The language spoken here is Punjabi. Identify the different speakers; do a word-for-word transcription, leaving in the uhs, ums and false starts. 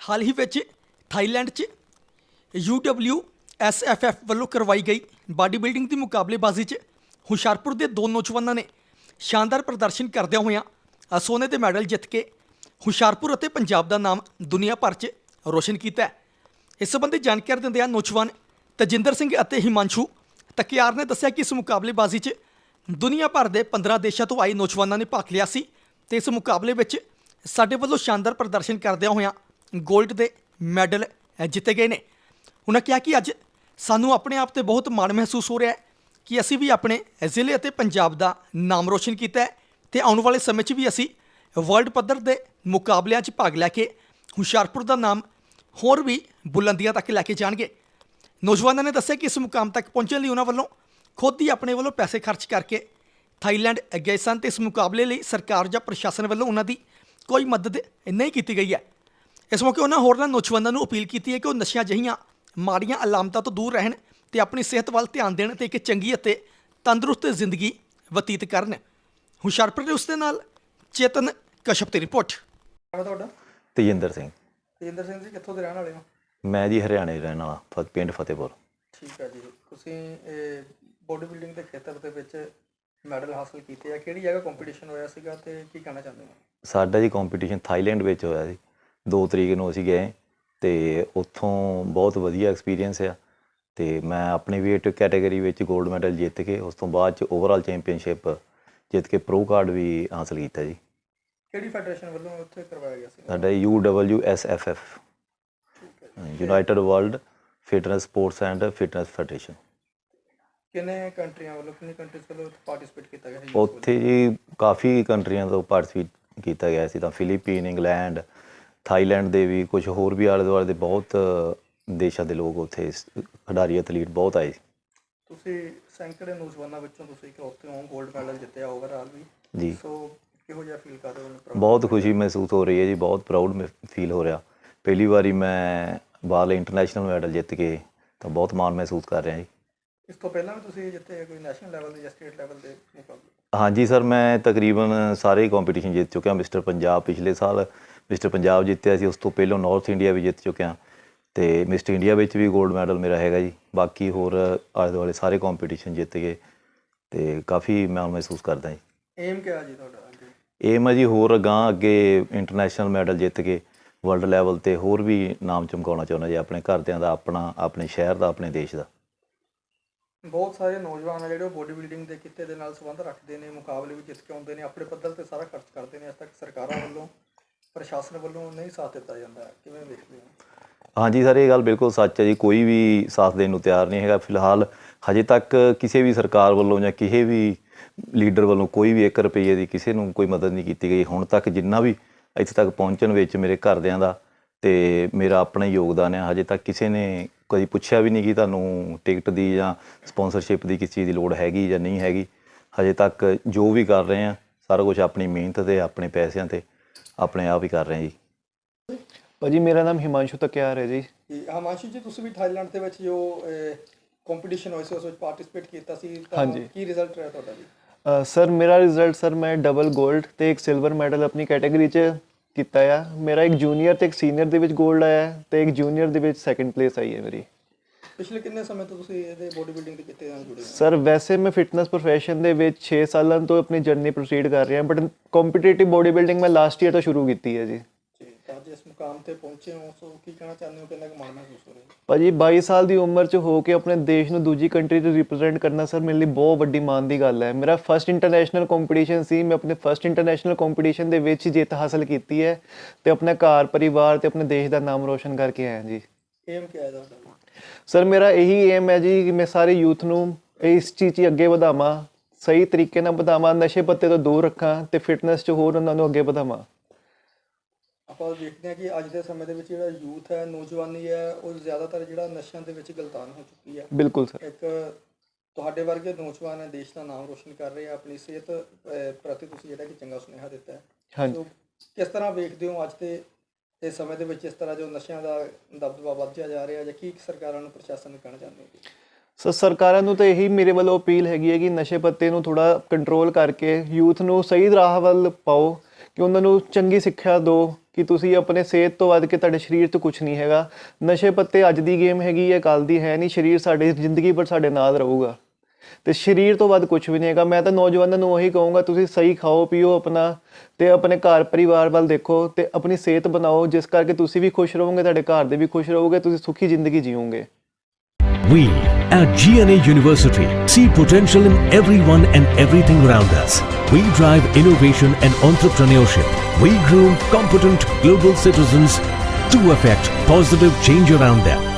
Speaker 1: हाल ही ਵਿੱਚ ਥਾਈਲੈਂਡ 'ਚ U W S F F ਵੱਲੋਂ ਕਰਵਾਈ ਗਈ ਬਾਡੀ ਬਿਲਡਿੰਗ ਦੀ ਮੁਕਾਬਲੇਬਾਜ਼ੀ 'ਚ ਹੁਸ਼ਿਆਰਪੁਰ ਦੇ ਦੋ ਨੌਜਵਾਨਾਂ ਨੇ ਸ਼ਾਨਦਾਰ ਪ੍ਰਦਰਸ਼ਨ ਕਰਦਿਆਂ ਹੋਇਆਂ ਸੋਨੇ ਦੇ ਮੈਡਲ ਜਿੱਤ ਕੇ ਹੁਸ਼ਿਆਰਪੁਰ ਅਤੇ ਪੰਜਾਬ ਦਾ ਨਾਮ ਦੁਨੀਆ ਭਰ 'ਚ ਰੋਸ਼ਨ ਕੀਤਾ ਹੈ। ਇਸ ਸੰਬੰਧੀ ਜਾਣਕਾਰੀ ਦਿੰਦਿਆਂ ਨੌਜਵਾਨ ਤਜਿੰਦਰ ਸਿੰਘ ਅਤੇ ਹਿਮਾਂਸ਼ੂ ਤਕਿਆਰ ਨੇ ਦੱਸਿਆ ਕਿ ਇਸ ਮੁਕਾਬਲੇਬਾਜ਼ੀ 'ਚ ਦੁਨੀਆ ਭਰ ਦੇ ਪੰਦਰਾਂ ਦੇਸ਼ਾਂ ਤੋਂ ਆਏ ਨੌਜਵਾਨਾਂ ਨੇ ਭਾਗ ਲਿਆ ਸੀ ਤੇ ਇਸ ਮੁਕਾਬਲੇ ਵਿੱਚ ਸਾਡੇ ਵੱਲੋਂ ਸ਼ਾਨਦਾਰ ਪ੍ਰਦਰਸ਼ਨ ਕਰਦਿਆਂ ਹੋਇਆਂ ਗੋਲਡ ਦੇ ਮੈਡਲ ਜਿੱਤੇ ਗਏ ਨੇ। ਉਹਨਾਂ ਕਿਹਾ ਕਿ ਅੱਜ ਸਾਨੂੰ ਆਪਣੇ ਆਪ 'ਤੇ ਬਹੁਤ ਮਾਣ ਮਹਿਸੂਸ ਹੋ ਰਿਹਾ ਹੈ ਕਿ ਅਸੀਂ ਵੀ ਆਪਣੇ ਜ਼ਿਲ੍ਹੇ ਅਤੇ ਪੰਜਾਬ ਦਾ ਨਾਮ ਰੋਸ਼ਨ ਕੀਤਾ ਹੈ ਤੇ ਆਉਣ ਵਾਲੇ ਸਮੇਂ 'ਚ ਵੀ ਅਸੀਂ ਵਰਲਡ ਪੱਧਰ ਦੇ ਮੁਕਾਬਲਿਆਂ 'ਚ ਭਾਗ ਲੈ ਕੇ ਹੁਸ਼ਿਆਰਪੁਰ ਦਾ ਨਾਮ ਹੋਰ ਵੀ ਬੁਲੰਦੀਆਂ ਤੱਕ ਲੈ ਕੇ ਜਾਣਗੇ। ਨੌਜਵਾਨਾਂ ਨੇ ਦੱਸਿਆ ਕਿ ਇਸ ਮੁਕਾਮ ਤੱਕ ਪਹੁੰਚਣ ਲਈ ਉਹਨਾਂ ਵੱਲੋਂ ਖੁਦ ਹੀ ਆਪਣੇ ਵੱਲੋਂ ਪੈਸੇ ਖਰਚ ਕਰਕੇ ਥਾਈਲੈਂਡ ਗਏ ਸਨ ਤੇ ਇਸ ਮੁਕਾਬਲੇ ਲਈ ਸਰਕਾਰ ਜਾਂ ਪ੍ਰਸ਼ਾਸਨ ਵੱਲੋਂ ਉਹਨਾਂ ਦੀ ਕੋਈ ਮਦਦ ਨਹੀਂ ਕੀਤੀ ਗਈ ਹੈ। ਇਸ ਮੌਕੇ ਉਹਨਾਂ ਹੋਰਨਾਂ ਨੌਜਵਾਨਾਂ ਨੂੰ ਅਪੀਲ ਕੀਤੀ ਹੈ ਕਿ ਉਹ ਨਸ਼ਿਆਂ ਜਿਹੀਆਂ ਮਾੜੀਆਂ ਅਲਾਮਤਾਂ ਤੋਂ ਦੂਰ ਰਹਿਣ ਤੇ ਆਪਣੀ ਸਿਹਤ ਵੱਲ ਧਿਆਨ ਦੇਣ ਤੇ ਇੱਕ ਚੰਗੀ ਅਤੇ ਤੰਦਰੁਸਤ ਜ਼ਿੰਦਗੀ ਬਤੀਤ ਕਰਨ। ਹੁਸ਼ਿਆਰਪੁਰ ਦੇ ਉਸ ਦੇ ਨਾਲ ਚੇਤਨ ਕਸ਼ਪ ਦੀ ਰਿਪੋਰਟ।
Speaker 2: ਤੁਹਾਡਾ
Speaker 3: ਤੇਜਿੰਦਰ ਸਿੰਘ।
Speaker 2: ਤੇਜਿੰਦਰ ਸਿੰਘ ਜੀ ਕਿੱਥੋਂ ਦੇ ਰਹਿਣ ਵਾਲੇ ਹੋ?
Speaker 3: ਮੈਂ ਜੀ ਹਰਿਆਣੇ ਰਹਿਣ ਵਾਲਾ, ਫ ਪਿੰਡ ਫਤਿਹਪੁਰ।
Speaker 2: ਠੀਕ ਹੈ ਜੀ। ਤੁਸੀਂ ਇਹ ਬੋਡੀ ਬਿਲਡਿੰਗ ਦੇ ਖੇਤਰ ਦੇ ਵਿੱਚ ਮੈਡਲ ਹਾਸਲ ਕੀਤੇ ਆ, ਕਿਹੜੀ ਜਗ੍ਹਾ ਕੰਪੀਟੀਸ਼ਨ ਹੋਇਆ ਸੀਗਾ ਤੇ ਕੀ ਕਹਿਣਾ ਚਾਹੁੰਦੇ ਹੋ?
Speaker 3: ਸਾਡਾ ਜੀ ਕੰਪੀਟੀਸ਼ਨ ਥਾਈਲੈਂਡ ਵਿੱਚ ਹੋਇਆ ਸੀ। ਦੋ ਤਰੀਕ ਨੂੰ ਅਸੀਂ ਗਏ ਅਤੇ ਉੱਥੋਂ ਬਹੁਤ ਵਧੀਆ ਐਕਸਪੀਰੀਅੰਸ ਆ ਅਤੇ ਮੈਂ ਆਪਣੀ ਵੇਟ ਕੈਟਾਗਰੀ ਵਿੱਚ ਗੋਲਡ ਮੈਡਲ ਜਿੱਤ ਕੇ ਉਸ ਤੋਂ ਬਾਅਦ 'ਚ ਓਵਰਆਲ ਚੈਂਪੀਅਨਸ਼ਿਪ ਜਿੱਤ ਕੇ ਪ੍ਰੋ ਕਾਰਡ ਵੀ ਹਾਸਲ ਕੀਤਾ ਜੀ।
Speaker 2: ਕਿਹੜੀ ਫੈਡਰੇਸ਼ਨ ਵੱਲੋਂ ਉੱਥੇ ਕਰਵਾਇਆ ਗਿਆ ਸੀ?
Speaker 3: ਸਾਡਾ U W S F F, united world fitness sports and fitness federation.
Speaker 2: ਕਿੰਨੇ ਕੰਟਰੀਆਂ ਵੱਲੋਂ ਕਿੰਨੀ ਕੰਟਰੀਜ਼ ਵੱਲੋਂ ਪਾਰਟੀਸਪੇਟ ਕੀਤਾ ਗਿਆ ਸੀ?
Speaker 3: ਉੱਥੇ ਜੀ ਕਾਫੀ ਕੰਟਰੀਆਂ ਤੋਂ ਪਾਰਟੀਸਪੇਟ ਕੀਤਾ ਗਿਆ ਸੀ, ਤਾਂ ਫਿਲੀਪੀਨ, ਇੰਗਲੈਂਡ, ਥਾਈਲੈਂਡ ਦੇ ਵੀ, ਕੁਛ ਹੋਰ ਵੀ ਆਲੇ ਦੁਆਲੇ ਦੇ ਬਹੁਤ ਦੇਸ਼ਾਂ ਦੇ ਲੋਕ ਉੱਥੇ ਖਿਡਾਰੀ ਐਥਲੀਟ ਬਹੁਤ ਆਏ ਸੀ।
Speaker 2: ਤੁਸੀਂ ਸੈਂਕੜੇ ਨੌਜਵਾਨਾਂ ਵਿੱਚੋਂ ਤੁਸੀਂ ਇਕਲੌਤੇ ਹੋ ਗੋਲਡ ਮੈਡਲ ਜਿੱਤਿਆ ਓਵਰਆਲ ਵੀ
Speaker 3: ਜੀ।
Speaker 2: ਸੋ ਕਿਹੋ ਜਿਹਾ ਫੀਲ ਕਰ ਰਹੇ ਹੋ?
Speaker 3: ਬਹੁਤ ਖੁਸ਼ੀ ਮਹਿਸੂਸ ਹੋ ਰਹੀ ਹੈ ਜੀ, ਬਹੁਤ ਪ੍ਰਾਊਡ ਫੀਲ ਹੋ ਰਿਹਾ। ਪਹਿਲੀ ਵਾਰੀ ਮੈਂ ਬਾਹਰਲੇ ਇੰਟਰਨੈਸ਼ਨਲ ਮੈਡਲ ਜਿੱਤ ਕੇ ਤਾਂ ਬਹੁਤ ਮਾਣ ਮਹਿਸੂਸ ਕਰ ਰਿਹਾ ਜੀ।
Speaker 2: ਇਸ ਤੋਂ ਪਹਿਲਾਂ ਵੀ ਤੁਸੀਂ ਜਿੱਤੇ ਕੋਈ ਨੈਸ਼ਨਲ ਲੈਵਲ ਦੇ ਜਾਂ ਸਟੇਟ ਲੈਵਲ ਦੇ ਮੁਕਾਬਲੇ?
Speaker 3: ਹਾਂਜੀ ਸਰ, ਮੈਂ ਤਕਰੀਬਨ ਸਾਰੇ ਕੰਪੀਟੀਸ਼ਨ ਜਿੱਤ ਚੁੱਕਿਆ। ਮਿਸਟਰ ਪੰਜਾਬ ਪਿਛਲੇ ਸਾਲ ਮਿਸਟਰ ਪੰਜਾਬ ਜਿੱਤਿਆ ਸੀ, ਉਸ ਤੋਂ ਪਹਿਲਾਂ ਨਾਰਥ ਇੰਡੀਆ ਵੀ ਜਿੱਤ ਚੁੱਕਿਆ ਅਤੇ ਮਿਸਟਰ ਇੰਡੀਆ ਵਿੱਚ ਵੀ ਗੋਲਡ ਮੈਡਲ ਮੇਰਾ ਹੈਗਾ ਜੀ। ਬਾਕੀ ਹੋਰ ਆਲੇ ਦੁਆਲੇ ਸਾਰੇ ਕੰਪੀਟੀਸ਼ਨ ਜਿੱਤ ਗਏ ਅਤੇ ਕਾਫੀ ਮਾਣ ਮਹਿਸੂਸ ਕਰਦਾ ਜੀ।
Speaker 2: ਏਮ ਕਿਆ ਜੀ ਤੁਹਾਡਾ?
Speaker 3: ਏਮ ਹੈ ਜੀ ਹੋਰ ਅਗਾਂਹ ਅੱਗੇ ਇੰਟਰਨੈਸ਼ਨਲ ਮੈਡਲ ਜਿੱਤ ਕੇ ਵਰਲਡ ਲੈਵਲ 'ਤੇ ਹੋਰ ਵੀ ਨਾਮ ਚਮਕਾਉਣਾ ਚਾਹੁੰਦਾ ਜੀ, ਆਪਣੇ ਘਰਦਿਆਂ ਦਾ, ਆਪਣਾ, ਆਪਣੇ ਸ਼ਹਿਰ ਦਾ, ਆਪਣੇ ਦੇਸ਼ ਦਾ।
Speaker 2: ਬਹੁਤ ਸਾਰੇ ਨੌਜਵਾਨ ਆ ਜਿਹੜੇ ਉਹ ਬੋਡੀ ਬਿਲਡਿੰਗ ਦੇ ਕਿੱਤੇ ਦੇ ਨਾਲ ਸੰਬੰਧ ਰੱਖਦੇ ਨੇ, ਮੁਕਾਬਲੇ ਵੀ ਜਿੱਤ ਕੇ ਆਉਂਦੇ ਨੇ, ਆਪਣੇ ਪੱਧਰ 'ਤੇ ਸਾਰਾ ਖਰਚ ਕਰਦੇ ਨੇ। ਅੱਜ ਤੱਕ ਸਰਕਾਰਾਂ ਵੱਲੋਂ, ਪ੍ਰਸ਼ਾਸਨ ਵੱਲੋਂ ਨਹੀਂ ਸਾਥ ਦਿੱਤਾ ਜਾਂਦਾ, ਕਿਵੇਂ ਵੇਖਦੇ ਹੋ?
Speaker 3: ਹਾਂਜੀ ਸਰ, ਇਹ ਗੱਲ ਬਿਲਕੁਲ ਸੱਚ ਹੈ ਜੀ। ਕੋਈ ਵੀ ਸਾਥ ਦੇਣ ਨੂੰ ਤਿਆਰ ਨਹੀਂ ਹੈਗਾ ਫਿਲਹਾਲ। ਹਜੇ ਤੱਕ ਕਿਸੇ ਵੀ ਸਰਕਾਰ ਵੱਲੋਂ ਜਾਂ ਕਿਸੇ ਵੀ ਲੀਡਰ ਵੱਲੋਂ ਕੋਈ ਵੀ ਇੱਕ ਰੁਪਈਏ ਦੀ ਕਿਸੇ ਨੂੰ ਕੋਈ ਮਦਦ ਨਹੀਂ ਕੀਤੀ ਗਈ ਹੁਣ ਤੱਕ। ਜਿੰਨਾ ਵੀ ਇੱਥੇ ਤੱਕ ਪਹੁੰਚਣ ਵਿੱਚ ਮੇਰੇ ਘਰਦਿਆਂ ਦਾ ਅਤੇ ਮੇਰਾ ਆਪਣਾ ਯੋਗਦਾਨ ਹੈ। ਹਜੇ ਤੱਕ ਕਿਸੇ ਨੇ ਕਦੀ ਪੁੱਛਿਆ ਵੀ ਨਹੀਂ ਕਿ ਤੁਹਾਨੂੰ ਟਿਕਟ ਦੀ ਜਾਂ ਸਪੋਂਸਰਸ਼ਿਪ ਦੀ ਕਿਸੇ ਚੀਜ਼ ਦੀ ਲੋੜ ਹੈਗੀ ਜਾਂ ਨਹੀਂ ਹੈਗੀ। ਹਜੇ ਤੱਕ ਜੋ ਵੀ ਕਰ ਰਹੇ ਹਾਂ ਸਾਰਾ ਕੁਛ ਆਪਣੀ ਮਿਹਨਤ 'ਤੇ, ਆਪਣੇ ਪੈਸਿਆਂ 'ਤੇ, ਆਪਣੇ ਆਪ ਹੀ ਕਰ ਰਹੇ ਹਾਂ ਜੀ।
Speaker 4: ਭਾਜੀ ਮੇਰਾ ਨਾਮ ਹਿਮਾਂਸ਼ੂ ਤਕਿਆਰ ਹੈ ਜੀ।
Speaker 2: ਹਿਮਾਂਸ਼ੂ ਜੀ, ਤੁਸੀਂ ਵੀ ਥਾਈਲੈਂਡ ਦੇ ਵਿੱਚ ਜੋ ਕੰਪੀਟੀਸ਼ਨ ਹੋਇਆ ਸੀ ਉਸ ਵਿੱਚ ਪਾਰਟੀਸਪੇਟ ਕੀਤਾ ਸੀ, ਤਾਂ
Speaker 4: ਹਾਂਜੀ।
Speaker 2: ਕੀ ਰਿਜ਼ਲਟ ਰਿਹਾ ਤੁਹਾਡਾ ਜੀ?
Speaker 4: ਸਰ ਮੇਰਾ ਰਿਜ਼ਲਟ ਸਰ ਮੈਂ ਡਬਲ ਗੋਲਡ ਅਤੇ ਇੱਕ ਸਿਲਵਰ ਮੈਡਲ ਆਪਣੀ ਕੈਟਾਗਰੀ 'ਚ ਕੀਤਾ ਆ। ਮੇਰਾ ਇੱਕ ਜੂਨੀਅਰ ਅਤੇ ਇੱਕ ਸੀਨੀਅਰ ਦੇ ਵਿੱਚ ਗੋਲਡ ਆਇਆ ਅਤੇ ਇੱਕ ਜੂਨੀਅਰ ਦੇ ਵਿੱਚ ਸੈਕਿੰਡ ਪਲੇਸ ਆਈ ਹੈ ਮੇਰੀ।
Speaker 2: ਪਿਛਲੇ ਕਿੰਨੇ ਸਮੇਂ ਤੋਂ ਤੁਸੀਂ ਇਹਦੇ ਬੋਡੀ ਬਿਲਡਿੰਗ ਦੇ ਕਿੱਤੇ ਨਾਲ ਜੁੜੇ ਹੋ?
Speaker 4: ਸਰ ਵੈਸੇ ਮੈਂ ਫਿਟਨੈਸ ਪ੍ਰੋਫੈਸ਼ਨ ਦੇ ਵਿੱਚ ਛੇ ਸਾਲਾਂ ਤੋਂ ਆਪਣੀ ਜਰਨੀ ਪ੍ਰੋਸੀਡ ਕਰ ਰਿਹਾ, ਬਟ ਕੰਪੀਟੀਟਿਵ ਬੋਡੀ ਬਿਲਡਿੰਗ ਮੈਂ ਲਾਸਟ ਈਅਰ ਤੋਂ ਸ਼ੁਰੂ ਕੀਤੀ ਹੈ ਜੀ।
Speaker 2: ਤਾਂ ਅੱਜ ਇਸ ਮੁਕਾਮ 'ਤੇ ਪਹੁੰਚੇ ਹੋ, ਸੋ ਕੀ ਕਹਿਣਾ ਚਾਹੁੰਦੇ ਹੋ? ਕਿੰਨਾ ਕੁ ਮਾਣ ਮਹਿਸੂਸ ਹੋ ਰਿਹਾ?
Speaker 4: ਭਾਜੀ ਬਾਈ ਸਾਲ ਦੀ ਉਮਰ 'ਚ ਹੋ ਕੇ ਆਪਣੇ ਦੇਸ਼ ਨੂੰ ਦੂਜੀ ਕੰਟਰੀ 'ਚ ਰਿਪਰੈਜ਼ੈਂਟ ਕਰਨਾ ਸਰ ਮੇਰੇ ਲਈ ਬਹੁਤ ਵੱਡੀ ਮਾਣ ਦੀ ਗੱਲ ਹੈ। ਮੇਰਾ ਫਸਟ ਇੰਟਰਨੈਸ਼ਨਲ ਕੰਪੀਟੀਸ਼ਨ ਸੀ। ਮੈਂ ਆਪਣੇ ਫਸਟ ਇੰਟਰਨੈਸ਼ਨਲ ਕੰਪੀਟੀਸ਼ਨ ਦੇ ਵਿੱਚ ਜਿੱਤ ਹਾਸਲ ਕੀਤੀ ਹੈ ਅਤੇ ਆਪਣੇ ਘਰ ਪਰਿਵਾਰ ਅਤੇ ਆਪਣੇ ਦੇਸ਼ ਦਾ ਨਾਮ ਰੋਸ਼ਨ ਕਰਕੇ ਆਇਆ ਜੀ।
Speaker 2: ਏਮ ਕਿਆ ਹੈ ਤੁਹਾਡਾ?
Speaker 4: ਸਰ ਮੇਰਾ ਇਹੀ ਏਮ ਹੈ ਜੀ ਕਿ ਮੈਂ ਸਾਰੇ ਯੂਥ ਨੂੰ ਇਸ ਚੀਜ਼ 'ਚ ਅੱਗੇ ਵਧਾਵਾਂ, ਸਹੀ ਤਰੀਕੇ ਨਾਲ ਵਧਾਵਾਂ, ਨਸ਼ੇ ਪੱਤੇ ਤੋਂ ਦੂਰ ਰੱਖਾਂ ਅਤੇ ਫਿਟਨੈਸ 'ਚ ਹੋਰ ਉਹਨਾਂ ਨੂੰ ਅੱਗੇ ਵਧਾਵਾਂ।
Speaker 2: ਆਪਾਂ ਦੇਖਦੇ ਹਾਂ ਕਿ ਅੱਜ ਦੇ ਸਮੇਂ ਦੇ ਵਿੱਚ ਜਿਹੜਾ ਯੂਥ ਹੈ, ਨੌਜਵਾਨੀ ਹੈ, ਉਹ ਜ਼ਿਆਦਾਤਰ ਜਿਹੜਾ ਨਸ਼ਿਆਂ ਦੇ ਵਿੱਚ ਗਲਤਾਨ ਹੋ ਚੁੱਕੀ ਹੈ।
Speaker 4: ਬਿਲਕੁਲ ਸਰ।
Speaker 2: ਇੱਕ ਤੁਹਾਡੇ ਵਰਗੇ ਨੌਜਵਾਨ ਹੈ, ਦੇਸ਼ ਦਾ ਨਾਮ ਰੋਸ਼ਨ ਕਰ ਰਹੇ ਆ, ਆਪਣੀ ਸਿਹਤ ਪ੍ਰਤੀ ਤੁਸੀਂ ਜਿਹੜਾ ਕਿ ਚੰਗਾ ਸੁਨੇਹਾ ਦਿੱਤਾ ਹੈ।
Speaker 4: ਹਾਂਜੀ।
Speaker 2: ਕਿਸ ਤਰ੍ਹਾਂ ਵੇਖਦੇ ਹੋ ਅੱਜ ਦੇ ਇਸ ਸਮੇਂ ਦੇ ਵਿੱਚ ਇਸ ਤਰ੍ਹਾਂ ਜੋ ਨਸ਼ਿਆਂ ਦਾ ਦਬਦਬਾ ਵੱਧਦਾ ਜਾ ਰਿਹਾ, ਜਾਂ ਕੀ ਸਰਕਾਰਾਂ ਨੂੰ, ਪ੍ਰਸ਼ਾਸਨ ਨੂੰ ਕਹਿਣਾ ਚਾਹੁੰਦੇ ਹੋ?
Speaker 4: ਸੋ ਸਰਕਾਰਾਂ ਨੂੰ ਤਾਂ ਇਹੀ ਮੇਰੇ ਵੱਲੋਂ ਅਪੀਲ ਹੈਗੀ ਹੈ ਕਿ ਨਸ਼ੇ ਪੱਤੇ ਨੂੰ ਥੋੜ੍ਹਾ ਕੰਟਰੋਲ ਕਰਕੇ ਯੂਥ ਨੂੰ ਸਹੀ ਰਾਹ ਵੱਲ ਪਾਓ, ਕਿ ਉਹਨਾਂ ਨੂੰ ਚੰਗੀ ਸਿੱਖਿਆ ਦਿਓ ਕਿ ਤੁਸੀਂ ਆਪਣੇ ਸਿਹਤ ਤੋਂ ਵੱਧ ਕੇ ਤੁਹਾਡੇ ਸਰੀਰ ਤੋਂ ਕੁਝ ਨਹੀਂ ਹੈਗਾ। ਨਸ਼ੇ ਪੱਤੇ ਅੱਜ ਦੀ ਗੇਮ ਹੈਗੀ ਹੈ, ਕੱਲ੍ਹ ਦੀ ਹੈ ਨਹੀਂ। ਸਰੀਰ ਸਾਡੇ ਜ਼ਿੰਦਗੀ ਭਰ ਸਾਡੇ ਨਾਲ ਰਹੂਗਾ ਤੇ ਸਰੀਰ ਤੋਂ ਵੱਧ ਕੁਝ ਵੀ ਨਹੀਂ ਹੈਗਾ। ਮੈਂ ਤਾਂ ਨੌਜਵਾਨਾਂ ਨੂੰ ਉਹੀ ਕਹੂੰਗਾ, ਤੁਸੀਂ ਸਹੀ ਖਾਓ ਪੀਓ ਆਪਣਾ ਤੇ ਆਪਣੇ ਘਰ ਪਰਿਵਾਰ ਵੱਲ ਦੇਖੋ ਤੇ ਆਪਣੀ ਸਿਹਤ ਬਣਾਓ, ਜਿਸ ਕਰਕੇ ਤੁਸੀਂ ਵੀ ਖੁਸ਼ ਰਹੋਗੇ, ਤੁਹਾਡੇ ਘਰ ਦੇ ਵੀ ਖੁਸ਼ ਰਹੋਗੇ, ਤੁਸੀਂ ਸੁਖੀ ਜ਼ਿੰਦਗੀ ਜੀਓਗੇ।
Speaker 5: We at G N A University see potential in everyone and everything around us. We drive innovation and entrepreneurship. We groom competent global citizens to affect positive change around them.